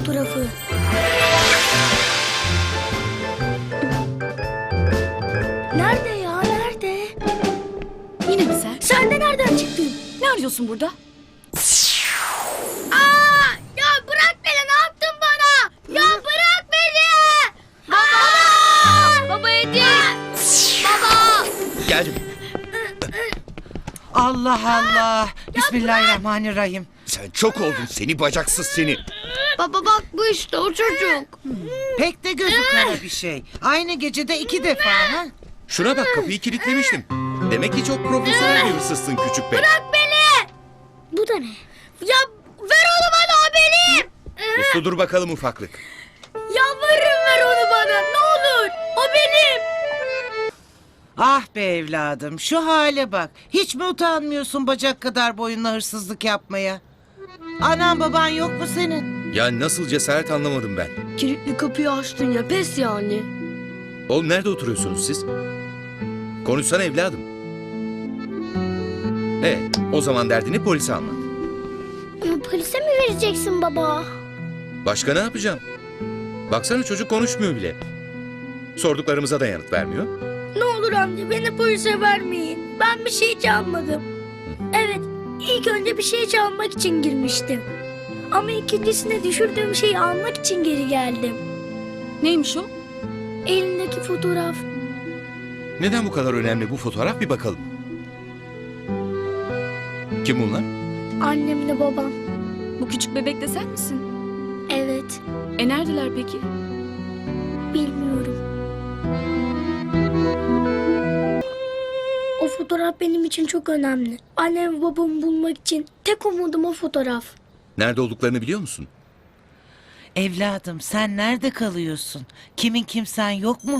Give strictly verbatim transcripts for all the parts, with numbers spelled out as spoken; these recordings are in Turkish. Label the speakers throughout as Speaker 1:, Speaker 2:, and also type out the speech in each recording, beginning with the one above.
Speaker 1: fotoğrafı. Nerede ya, nerede?
Speaker 2: Yine mi sen?
Speaker 1: Sen de nereden çıktın?
Speaker 2: Ne arıyorsun burada?
Speaker 1: Aa, ya bırak beni, ne yaptın bana? Ya bırak beni! Baba! Baba Edip! Baba!
Speaker 3: Geldim.
Speaker 4: Allah Allah. Bismillahirrahmanirrahim.
Speaker 3: Sen çok oldun seni bacaksız seni.
Speaker 1: Baba bak, bu işte o çocuk.
Speaker 4: Pek de gözü kara bir şey. Aynı gecede iki defa ha?
Speaker 3: Şuna bak kapıyı kilitlemiştim. Demek ki çok profesyonel bir hırsızsın küçük bey.
Speaker 1: Bırak beni! Bu da ne? Ya ver onu bana, o benim!
Speaker 3: Uslu dur bakalım ufaklık.
Speaker 1: Yalvarırım, ver onu bana, ne olur! O benim!
Speaker 4: Ah be evladım, şu hale bak. Hiç mi utanmıyorsun bacak kadar boyunla hırsızlık yapmaya? Anan baban yok mu senin?
Speaker 3: Ya nasıl cesaret anlamadım ben.
Speaker 1: Kilitli kapıyı açtın ya, pes yani.
Speaker 3: Oğlum nerede oturuyorsunuz siz? Konuşsana evladım. Evet o zaman derdini polise anlat.
Speaker 1: Polise mi vereceksin baba?
Speaker 3: Başka ne yapacağım? Baksana çocuk konuşmuyor bile. Sorduklarımıza da yanıt vermiyor.
Speaker 1: Ne olur amca, beni polise vermeyin. Ben bir şey çalmadım. Evet, ilk önce bir şey çalmak için girmiştim. Ama ikincisine düşürdüğüm şeyi almak için geri geldim.
Speaker 2: Neymiş o?
Speaker 1: Elindeki fotoğraf.
Speaker 3: Neden bu kadar önemli bu fotoğraf bir bakalım. Kim bunlar?
Speaker 1: Annemle babam.
Speaker 2: Bu küçük bebek de sen misin?
Speaker 1: Evet,
Speaker 2: E neredeler peki?
Speaker 1: bilmiyorum. O fotoğraf benim için çok önemli. Annem ve babamı bulmak için tek umudum o fotoğraf.
Speaker 3: Nerede olduklarını biliyor musun?
Speaker 4: Evladım sen nerede kalıyorsun? Kimin kimsen yok mu?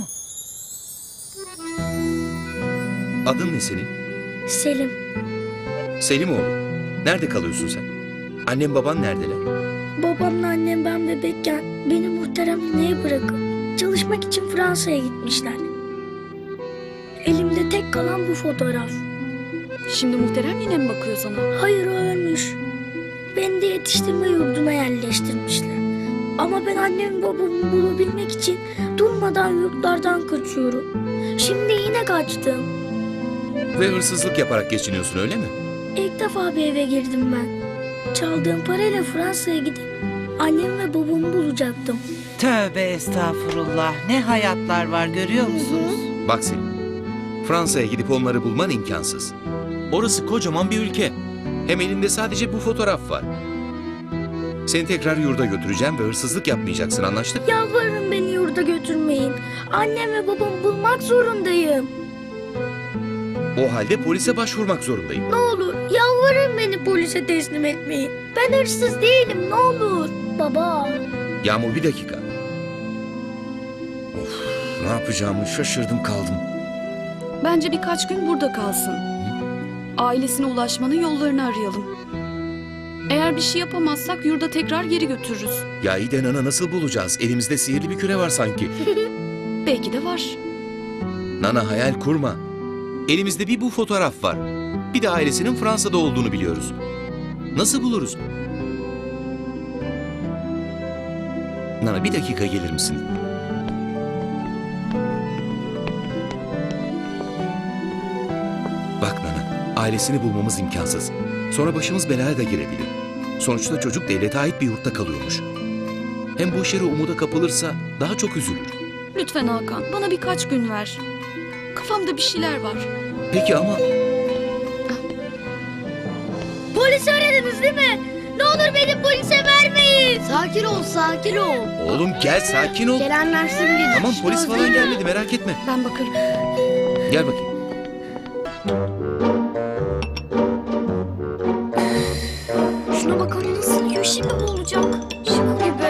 Speaker 3: Adın ne senin?
Speaker 1: Selim,
Speaker 3: Selimoğlu. Nerede kalıyorsun sen? Annem baban neredeler?
Speaker 1: babamla annem ben bebekken beni muhterem nineye bırakıp çalışmak için Fransa'ya gitmişler. Elimde tek kalan bu fotoğraf.
Speaker 2: Şimdi muhterem yine mi bakıyor sana?
Speaker 1: Hayır, o ölmüş. Beni de yetiştirme yurduna yerleştirmişler. Ama ben annemi babamı bulabilmek için durmadan yurtlardan kaçıyorum. Şimdi yine kaçtım.
Speaker 3: Ve hırsızlık yaparak geçiniyorsun öyle mi?
Speaker 1: İlk defa bir eve girdim ben. Çaldığım parayla Fransa'ya gidip annem ve babamı bulacaktım.
Speaker 4: Tövbe estağfurullah. Ne hayatlar var görüyor musunuz?
Speaker 3: Bak Selim, Fransa'ya gidip onları bulman imkansız. Orası kocaman bir ülke. Hem elinde sadece bu fotoğraf var. Seni tekrar yurda götüreceğim ve hırsızlık yapmayacaksın, anlaştık?
Speaker 1: Yalvarırım, beni yurda götürmeyin. Annem ve babamı bulmak zorundayım.
Speaker 3: O halde polise başvurmak zorundayım.
Speaker 1: Ne olur yalvarırım, beni polise teslim etmeyin. Ben hırsız değilim, ne olur. Baba.
Speaker 3: Yağmur bir dakika. Of, ne yapacağımı şaşırdım kaldım.
Speaker 2: Bence birkaç gün burada kalsın. Ailesine ulaşmanın yollarını arayalım. Eğer bir şey yapamazsak yurda tekrar geri götürürüz.
Speaker 3: Ya iyi de Nana nasıl bulacağız? Elimizde sihirli bir küre var sanki.
Speaker 2: Belki de var.
Speaker 3: Nana hayal kurma. Elimizde bir bu fotoğraf var. Bir de ailesinin Fransa'da olduğunu biliyoruz. Nasıl buluruz? Nana bir dakika gelir misin? Bak Nana, ailesini bulmamız imkansız. Sonra başımız belaya da girebilir. Sonuçta çocuk devlete ait bir yurtta kalıyormuş. Hem bu işleri umuda kapılırsa daha çok üzülür.
Speaker 2: Lütfen Hakan, bana birkaç gün ver. Kafamda bir şeyler var.
Speaker 3: Peki ama...
Speaker 1: Polisi aradınız değil mi? Ne olur beni polise vermeyin. Sakin ol, sakin ol.
Speaker 3: Oğlum gel sakin ol.
Speaker 1: Gelenler şimdi.
Speaker 3: Tamam polis falan gelmedi merak etme.
Speaker 2: Ben bakarım.
Speaker 3: Gel bakayım.
Speaker 1: Şuna bakalım nasıl yiyor, şimdi bu olacak. Şaka gibi.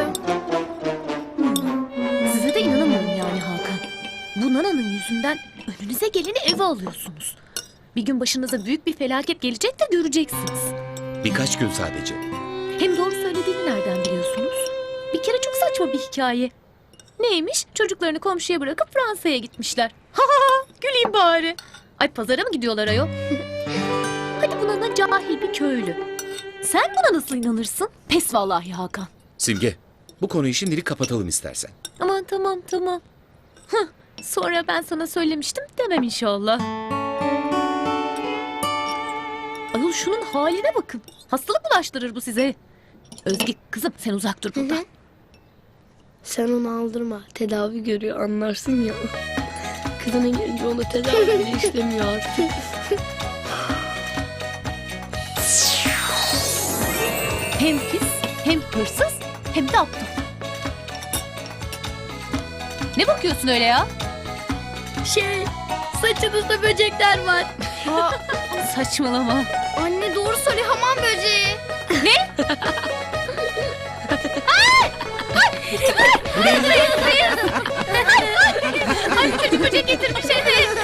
Speaker 5: Size de inanamıyorum yani Hakan. Bu Nana'nın yüzünden önünüze geleni eve alıyorsunuz. Bir gün başınıza büyük bir felaket gelecek de göreceksiniz.
Speaker 3: Birkaç gün sadece.
Speaker 5: Hem doğru söylediğini nereden biliyorsunuz? Bir kere çok saçma bir hikaye. Neymiş? Çocuklarını komşuya bırakıp Fransa'ya gitmişler. Ha ha ha! Güleyim bari. Ay pazara mı gidiyorlar ayol? Hadi bu Nana cahil bir köylü. Sen buna nasıl inanırsın? Pes vallahi Hakan.
Speaker 3: Simge, bu Bu konuyu şimdilik kapatalım istersen.
Speaker 5: Aman tamam tamam. Hıh, sonra ben sana söylemiştim demem inşallah. Ayol şunun haline bakın. Hastalık bulaştırır bu size. Özge kızım sen uzak dur buradan.
Speaker 1: Sen onu aldırma. Tedavi görüyor anlarsın ya. Kızına gelince ona tedavi bile işlemiyor artık.
Speaker 5: Hem pis, hem hırsız, hem de aptal. Ne bakıyorsun öyle ya?
Speaker 1: Şey, saçınızda böcekler var.
Speaker 5: Saçmalama.
Speaker 1: Anne doğru söyle hamam böceği.
Speaker 5: Ay çocuk böcek getirmiş evet.